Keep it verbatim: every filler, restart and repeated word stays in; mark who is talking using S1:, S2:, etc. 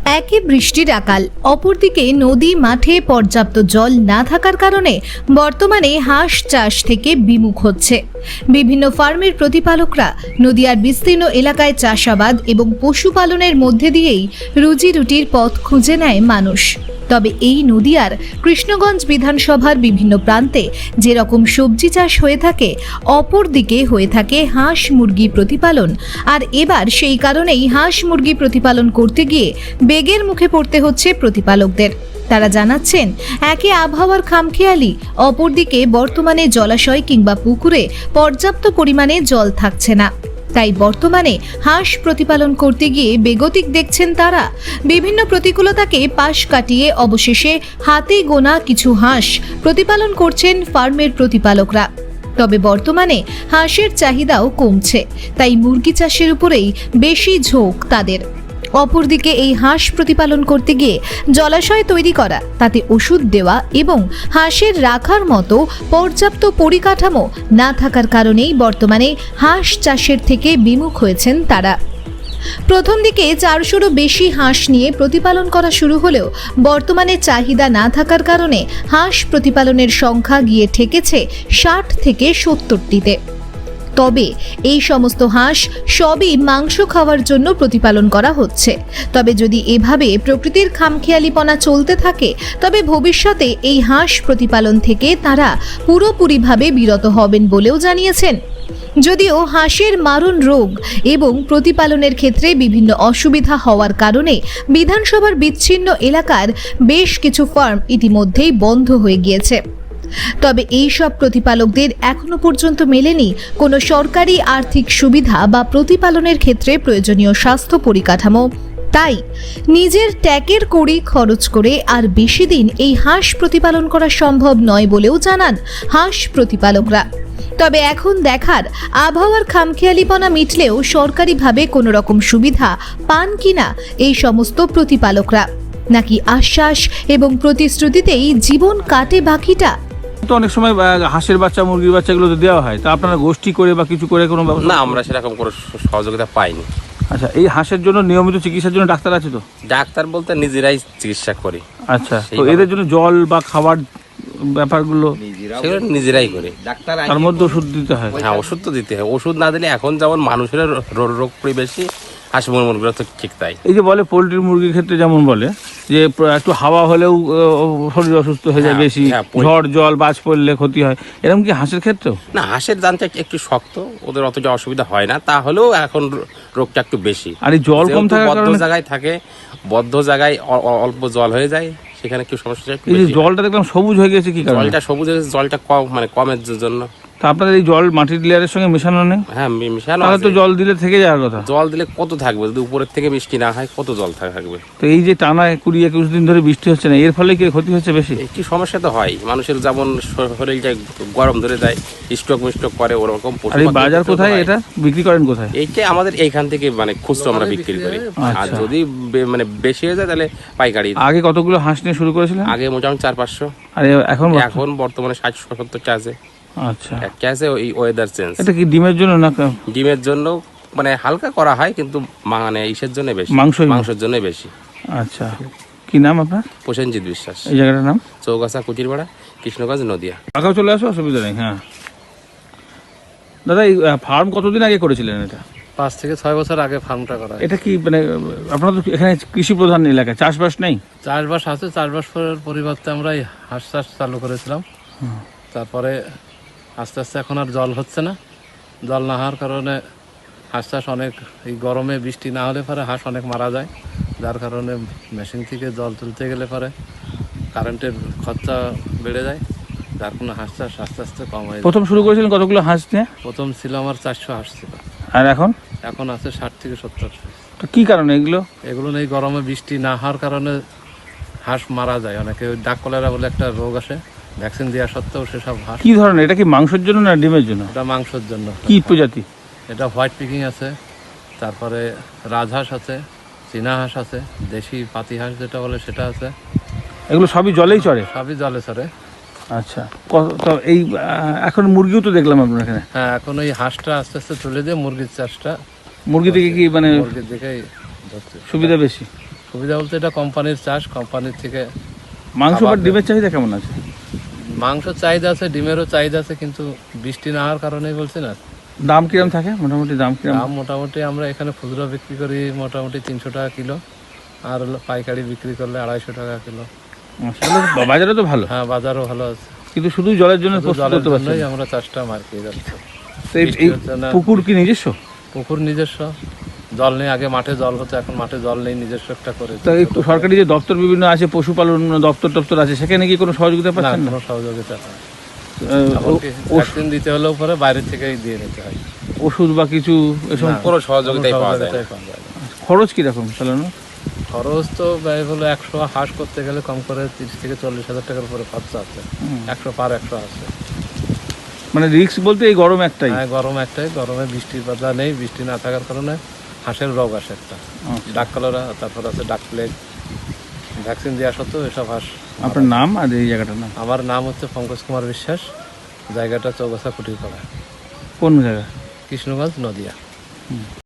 S1: একে বৃষ্টির আকাল, অপরদিকে নদী মাঠে পর্যাপ্ত জল না থাকার কারণে বর্তমানে হাঁস চাষ থেকে বিমুখ হচ্ছে বিভিন্ন ফার্মের প্রতিপালকরা। নদীয়ার বিস্তীর্ণ এলাকায় চাষাবাদ এবং পশুপালনের মধ্যে দিয়েই রুজি রুটির পথ খুঁজে নেয় মানুষ। তবে এই নদীয়ার কৃষ্ণগঞ্জ বিধানসভার বিভিন্ন প্রান্তে যেরকম সবজি চাষ হয়ে থাকে, অপরদিকে হয়ে থাকে হাঁস মুরগি প্রতিপালন। আর এবার সেই কারণেই হাঁস মুরগি প্রতিপালন করতে গিয়ে বেগের মুখে পড়তে হচ্ছে প্রতিপালকদের। তারা জানাচ্ছেন, একে আবহাওয়ার খামখেয়ালি, অপরদিকে বর্তমানে জলাশয় কিংবা পুকুরে পর্যাপ্ত পরিমাণে জল থাকছে না। তাই বর্তমানে হাঁস প্রতিপালন করতে গিয়ে বেগতিক দেখছেন তারা। বিভিন্ন প্রতিকূলতাকে পাশ কাটিয়ে অবশেষে হাতে গোনা কিছু হাঁস প্রতিপালন করছেন ফার্মের প্রতিপালকরা। তবে বর্তমানে হাঁসের চাহিদাও কমছে, তাই মুরগি চাষের উপরেই বেশি ঝোঁক তাদের। অপরদিকে এই হাঁস প্রতিপালন করতে গিয়ে জলাশয় তৈরি করা, তাতে ওষুধ দেওয়া এবং হাঁসের রাখার মতো পর্যাপ্ত পরিকাঠামো না থাকার কারণেই বর্তমানে হাঁস চাষের থেকে বিমুখ হয়েছেন তারা। প্রথম দিকে চারশোরও বেশি হাঁস নিয়ে প্রতিপালন করা শুরু হলেও বর্তমানে চাহিদা না থাকার কারণে হাঁস প্রতিপালনের সংখ্যা গিয়ে ঠেকেছে ষাট থেকে সত্তরটিতে। তবে এই সমস্ত হাঁস সবই মাংস খাওয়ার জন্য প্রতিপালন করা হচ্ছে। তবে যদি এভাবে প্রকৃতির খামখেয়ালিপনা চলতে থাকে, তবে ভবিষ্যতে এই হাঁস প্রতিপালন থেকে তারা পুরোপুরিভাবে বিরত হবেন বলেও জানিয়েছেন। যদিও হাঁসের মারণ রোগ এবং প্রতিপালনের ক্ষেত্রে বিভিন্ন অসুবিধা হওয়ার কারণে বিধানসভার বিচ্ছিন্ন এলাকার বেশ কিছু ফার্ম ইতিমধ্যেই বন্ধ হয়ে গিয়েছে। তবে এই সব প্রতিপালকদের এখনো পর্যন্ত মেলেনি কোনো সরকারি আর্থিক সুবিধা বা প্রতিপালনের ক্ষেত্রে প্রয়োজনীয় স্বাস্থ্য পরিকাঠামো। তাই নিজের ট্যাকের কড়ি খরচ করে আর বেশি দিন এই হাঁস প্রতিপালন করা সম্ভব নয় বলেও জানান হাঁস প্রতিপালকরা। তবে এখন দেখার, আবহাওয়ার খামখেয়ালিপনা মিটলেও সরকারিভাবে কোনো রকম সুবিধা পান কিনা এই সমস্ত প্রতিপালকরা, নাকি আশ্বাস এবং প্রতিশ্রুতিতেই জীবন কাটে বাকিটা।
S2: তো অনেক সময় হাঁসের বাচ্চা মুরগির বাচ্চা এগুলো তো দেওয়া হয়, তা আপনারা গোষ্ঠী করে বা কিছু করে কোনো ব্যবস্থা?
S3: না, আমরা সেরকম কোনো সহযোগিতা পাইনি।
S2: আচ্ছা, এই হাঁসের জন্য নিয়মিত চিকিৎসার জন্য ডাক্তার আছে তো?
S3: ডাক্তার বলতে নিজেরাই চিকিৎসা করি।
S2: আচ্ছা, তো এদের জন্য জল বা খাবার ব্যাপারগুলো
S3: সেগুলো নিজেরাই করি।
S2: তার মধ্যে ওষুধ দিতে হয়?
S3: হ্যাঁ, ওষুধ তো দিতে হয়। ওষুধ না দিলে এখন যেমন মানুষের রোগ বেশি, হাঁস মুরগিগুলো তো ঠিক তাই।
S2: এই যে বলে পোলট্রির মুরগির ক্ষেত্রে যেমন বলে যে একটু হাওয়া হলেও শরীর অসুস্থ হয়ে যায় বেশি, ঝড় জল বাজ পড়লে ক্ষতি হয়, এরকম কি হাঁসের ক্ষেত্রেও?
S3: না, হাঁসের দানটা একটু শক্ত, ওদের অতটা অসুবিধা হয় না, তাহলেও এখন রোগটা একটু বেশি।
S2: আর এই জল কম থাকার
S3: বদ্ধ
S2: কারণে
S3: জায়গায় থাকে, বদ্ধ জায়গায় অল্প জল হয়ে যায়, সেখানে কি সমস্যা?
S2: এই যে জলটা দেখলাম সবুজ হয়ে গেছে, কি কারণে?
S3: জলটা সবুজ হয়ে গেছে, জলটা কম মানে কমের জন্য।
S2: তা আপনাদের এই জল মাটির লেয়ারের সঙ্গে মেশানো নেই?
S3: হ্যাঁ, মেশানো
S2: তাহলে তো জল দিলে থেকে যাওয়ার কথা।
S3: জল দিলে কত থাকবে, যদি উপরের থেকে বৃষ্টি না হয় কত জল থাকবে?
S2: তো এই যে টানা কুড়ি একুশ দিন ধরে বৃষ্টি হচ্ছে না, এর ফলে কি ক্ষতি হচ্ছে বেশি?
S3: একটি সমস্যা তো হয়, মানুষের যেমন শরীরটা গরম ধরে যায়, স্ট্রোক মিস্ট্রোক করে, ওরকম।
S2: আর এই বাজার কোথায়, এটা বিক্রি করেন কোথায়?
S3: এইটা আমাদের এইখান থেকে মানে খুচরো আমরা বিক্রি করি। আর যদি মানে বেশি হয়ে যায় তাহলে পাইকারি।
S2: আগে কতগুলো হাঁস নিয়ে শুরু করেছিলেন?
S3: আগে মোটামুটি চার পাঁচশো। আর এখন এখন বর্তমানে ষাট সত্তরটা আছে।
S2: আচ্ছা,
S3: একটা আছে ওই ওয়েদার চেঞ্জ।
S2: এটা কি ডিমের জন্য না?
S3: ডিমের জন্য মানে হালকা করা হয়, কিন্তু মানে ইসের জন্য বেশি, মাংস মাংসের জন্য বেশি।
S2: আচ্ছা, কি নাম আপনার?
S3: প্রসেনজিৎ বিশ্বাস।
S2: এই জায়গাটার নাম?
S3: চৌগাছা কুটিরপাড়া, কৃষ্ণগঞ্জ, নদিয়া।
S2: আগাও চলে আসো, অসুবিধা নেই। হ্যাঁ দাদা, এই ফার্ম কতদিন আগে করেছিলেন? এটা
S4: পাঁচ থেকে ছয় বছর আগে ফার্মটা করা।
S2: এটা কি মানে আপনারা তো এখানে কৃষি প্রধান এলাকা, চাষবাস নেই?
S4: চাষবাস আছে, চাষবাস করার পরিবর্তে আমরা এই হাঁস চাষ চালু করেছিলাম। তারপরে আস্তে আস্তে এখন আর জল হচ্ছে না, জল না হওয়ার কারণে হাঁস চাষ অনেক, এই গরমে বৃষ্টি না হলে পরে হাঁস অনেক মারা যায়, যার কারণে মেশিন থেকে জল তুলতে গেলে পরে কারেন্টের খরচা বেড়ে যায়, যার কোনো হাঁস চাষ আস্তে আস্তে কম হয়ে যায়।
S2: প্রথম শুরু করেছিলেন কতগুলো হাঁস নিয়ে?
S4: প্রথম ছিল আমার চারশো হাঁস ছিল।
S2: আর এখন?
S4: এখন আছে ষাট থেকে সত্তর।
S2: তো কি কারণে এগুলো?
S4: এগুলো এই গরমে বৃষ্টি না হওয়ার কারণে হাঁস মারা যায় অনেকে। ওই ডাক কলেরা বলে একটা রোগ আসে, ভ্যাকসিন দেওয়া সত্ত্বেও সেসব হাঁস।
S2: কি ধরনের? এটা কি মাংসের জন্য না ডিমের জন্য?
S4: এটা মাংসের জন্য।
S2: কি প্রজাতি?
S4: এটা হোয়াইট পিকিং আছে, তারপরে রাজহাঁস আছে, চীনা হাঁস আছে, দেশি পাতি হাঁস যেটা বলে সেটা আছে।
S2: এগুলো সবই জলেই চড়ে?
S4: সবই জলে চড়ে।
S2: আচ্ছা, তো এই এখন মুরগিও তো দেখলাম আপনার এখানে।
S4: হ্যাঁ, এখন ওই হাঁসটা আস্তে আস্তে তুলে দিয়ে মুরগির চাষটা।
S2: মুরগি থেকে কি মানে
S4: মুরগির দিকেই
S2: সুবিধা বেশি?
S4: সুবিধা বলতে এটা কোম্পানির চাষ, কোম্পানির থেকে
S2: মাংস বা
S4: খাবার
S2: ডিমের চাহিদা কেমন আছে?
S4: মাংস চাহিদা আছে, ডিমেরও চাহিদা আছে, কিন্তু বৃষ্টি না হওয়ার কারণেই বলছি না।
S2: দাম কিরম থাকে মোটামুটি? দাম কিরম?
S4: দাম মোটামুটি আমরা এখানে খুচরো বিক্রি করি মোটামুটি তিনশো টাকা কিলো, আর হলো পাইকারি বিক্রি করলে আড়াইশো টাকা কিলো।
S2: আসলে বাজারে তো ভালো,
S4: হ্যাঁ বাজারও ভালো আছে,
S2: কিন্তু শুধু জলের জন্য
S4: শুধু
S2: প্রস্তুত
S4: জলের
S2: করতে পারছেন
S4: জন্যই
S2: না।
S4: আমরা চাষটা মার্কিয়ে যাচ্ছি।
S2: তো এই-
S4: বৃষ্টি
S2: এই
S4: হচ্ছে না।
S2: পুকুর কি নিজস্ব?
S4: পুকুর নিজস্ব, জল নেই, আগে মাঠে জল হতো, এখন মাঠে জল নেই, নিজস্ব একটা করে।
S2: তো এই সরকারি যে দপ্তর বিভিন্ন আছে, পশুপালন দপ্তর টপ্তর আছে, সেখানে কি কোনো সহযোগিতা
S4: না,
S2: পাচ্ছেন না?
S4: কোনো সহযোগিতা নেই।
S2: আহ,
S4: এমনকি
S2: ও-
S4: ভ্যাকসিন দিতে হলেও পরে বাইরে থেকেই দিয়ে নিতে হয়।
S2: ওষুধ বা কিছু এসব
S4: না,
S3: কোনো সহযোগিতাই
S4: কোনো
S3: পাওয়া যায় না।
S4: সহযোগিতাই পাওয়া যায় না।
S2: খরচ কিরকম চালানো?
S4: খরচ তো ব্যয় হলো একশো হাঁস করতে গেলে কম করে তিরিশ থেকে চল্লিশ হাজার টাকার উপরে খরচা আছে। একশো পার একশো আছে।
S2: মানে রিস্ক বলতে এই গরম একটাই।
S4: হ্যাঁ গরম একটাই, গরমে বৃষ্টির বাধা নেই, বৃষ্টি না থাকার কারণে হাঁসের রোগ আসে একটা,
S2: আচ্ছা।
S4: ডাক কলেরা, তারপর আছে ডাক প্লেগ। ভ্যাকসিন দেওয়া সত্ত্বেও এসব হাঁস।
S2: আপনার নাম আর এই জায়গাটার নাম?
S4: আমার নাম হচ্ছে পঙ্কজ কুমার বিশ্বাস, জায়গাটা চৌগাছা কুটিরপাড়া,
S2: কোন জায়গা?
S4: কৃষ্ণগঞ্জ, নদিয়া।